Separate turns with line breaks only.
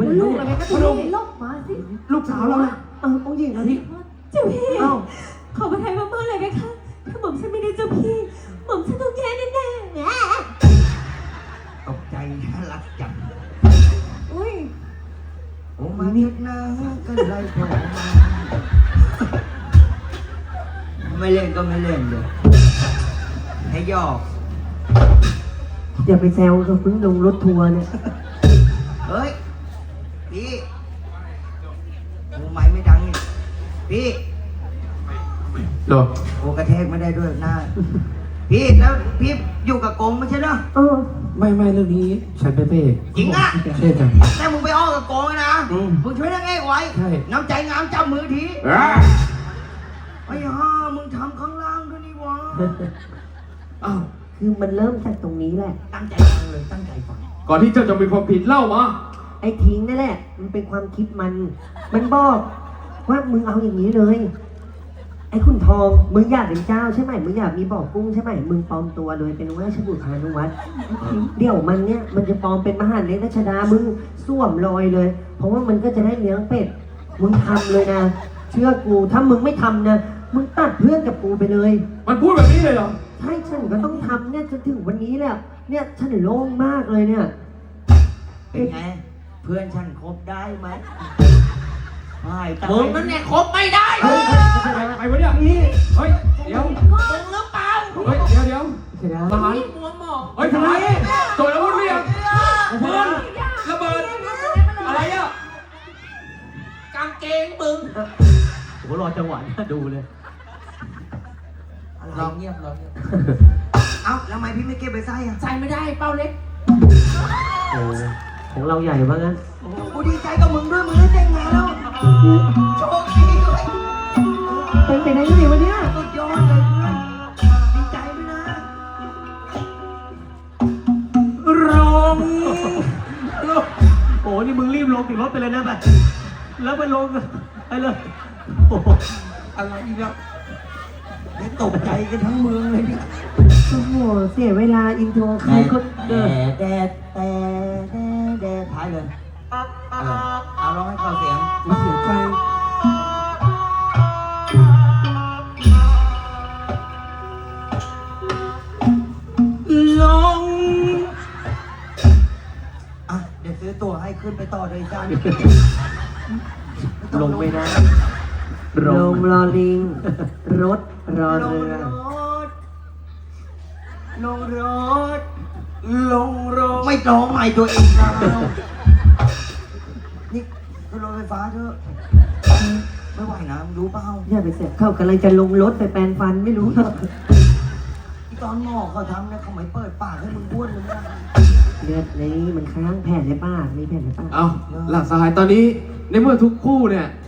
ลูกอะไรก็ต้องลบมาสิ
ลูกสาวเราเนี่ยองค์หญิงนะที่
เจ้าพี่ขอประทานมากๆเลยไหมคะถ้าหม่อมฉันไม่ได้เจ้าพี่หม่อมฉันต้องแย่แน่
ตกใจน่ารักจัง
ๆอุ้ย
โอ้มาเน็ตนะกันไรผมไม่เล่นก็ไม่เล่นเลยให้ยอก
อย่าไปแซวเขาเพิ่งลงรถทัวร์เนี่ย
เฮ้ยพี่โอ้ไม้ไม่ดังนี่พี่
หรอ
โอ้กระแทกไม่ได้ด้วยหน้าพี่แล้วพี่อยู่กับกงไม่ใช่เหรอ
ไม่เรื่องนี้ฉันเป็นพระเอก
จริงอ่ะ
ใช่จ้ะ
แต่มึงไปอ้อกับกงนะมึงช่วยนางเอกไว้
ใช่
น้ำใจงามจับมือทีไอ้ห่ามึงทำข้างล่างด้วยนี่วะ
อ้าว
คือมันเริ่มจากตรงนี้แหละ
ตั้งใจฟังเลยตั้งใจฟัง
ก่อนที่เจ้าจะมีความผิดเล่ามา
ไอ้ทิ้งนั่นแหละ มันเป็นความคิดมันบอกว่ามึงเอาอย่างนี้เลย ไอ้ขุนทอง มึงอยากเป็นเจ้าใช่ไหมมึงอยากมีบ่อกุ้งใช่ไหมมึงปลอมตัวเลยเป็นราชบุตรพานุวัฒน์เดี๋ยวมันเนี่ยมันจะปลอมเป็นมหาเล็กรัชดา มึงสวมรอยเลย เพราะว่ามันก็จะได้เลี้ยงเป็ด มึงทำเลยนะ เชื่อกู ถ้ามึงไม่ทำนะ มึงตัดเพื่อนกับกูไปเลย
มันพูดแบบนี้เลยเหรอ
ใช่ฉันก็ต้องทำเนี่ยจนถึงวันนี้แหละเนี่ยฉันโล่งมากเลยเนี่ย
เป็นไงเพื่อนฉันคบได้ไหมไม่แต่
มึงนั่นเนี่ยคบไม่ได้
ไปวะเนี่ยเฮ้ยเดี๋ยว
มึงหรือเปล่า
เฮ้ยเดี๋ยว
เสร็จแล้ว
ทหาร
มัวหมอง
เฮ้ยทหารตรวจอาวุธเรียงปืนระเบิดอะไรอ่ะ
กางเกงมึง
โหรอจังหวะดูเลย
เราเงียบเราเงียบ
เอ้าแล้วทำไมพี่ไม่เก็บไปใส่อะ
ใส่ไม่ได้เป้าเล็ก
โอ้ของเราใหญ่ว่างั้น
กูดีใจกับมึงด้วยมึงได้แต่งงานแล้วโชคดีด้วย
เป็นไปได้ยังไงวะเนี่ย
สุดยอดเลยเพื่อนดีใจด้วยนะ
โอ้นี่มึงรีบลงติดรถไปเลยนะไปแล้วไปลงไปเลยโอ้โห
อะไรอีกแล้วได้ตกใจกันทั้งเมืองเลยเนี่ย
โอ้โหเสียเวลาอินโทรใครคนเดิน
แต่ท้ายเลยเอาร้องให้เข้าเสียง
เสียใจ
ลงอ่ะเดี๋ยวซื้อตั๋วให้ขึ้นไปต่อเลยจ้า
ลงไม่ได้ลงรอลิง รถรอ
ลง
เรือ
รถลงรถลงรถไม่ร้องใหม่ตัวเองแล้วนี่ขึ้นรถไฟฟ้าเถอะไม่ไหวนะมึงรู้เปล่า
อย่าไปเสียเข้ากำลังจะลงรถไปแปรงฟันไม่รู้หรอก
ที่ตอนหมอเขาทำเนี่ยเขาไม่เปิดปากให้มึงบ้วนเลยนะ
เลือดในนี้มันค้างแผ่นในปากมีแผ่นในปาก
เอาหลักสหายตอนนี้ในเมื่อทุกคู่เนี่ย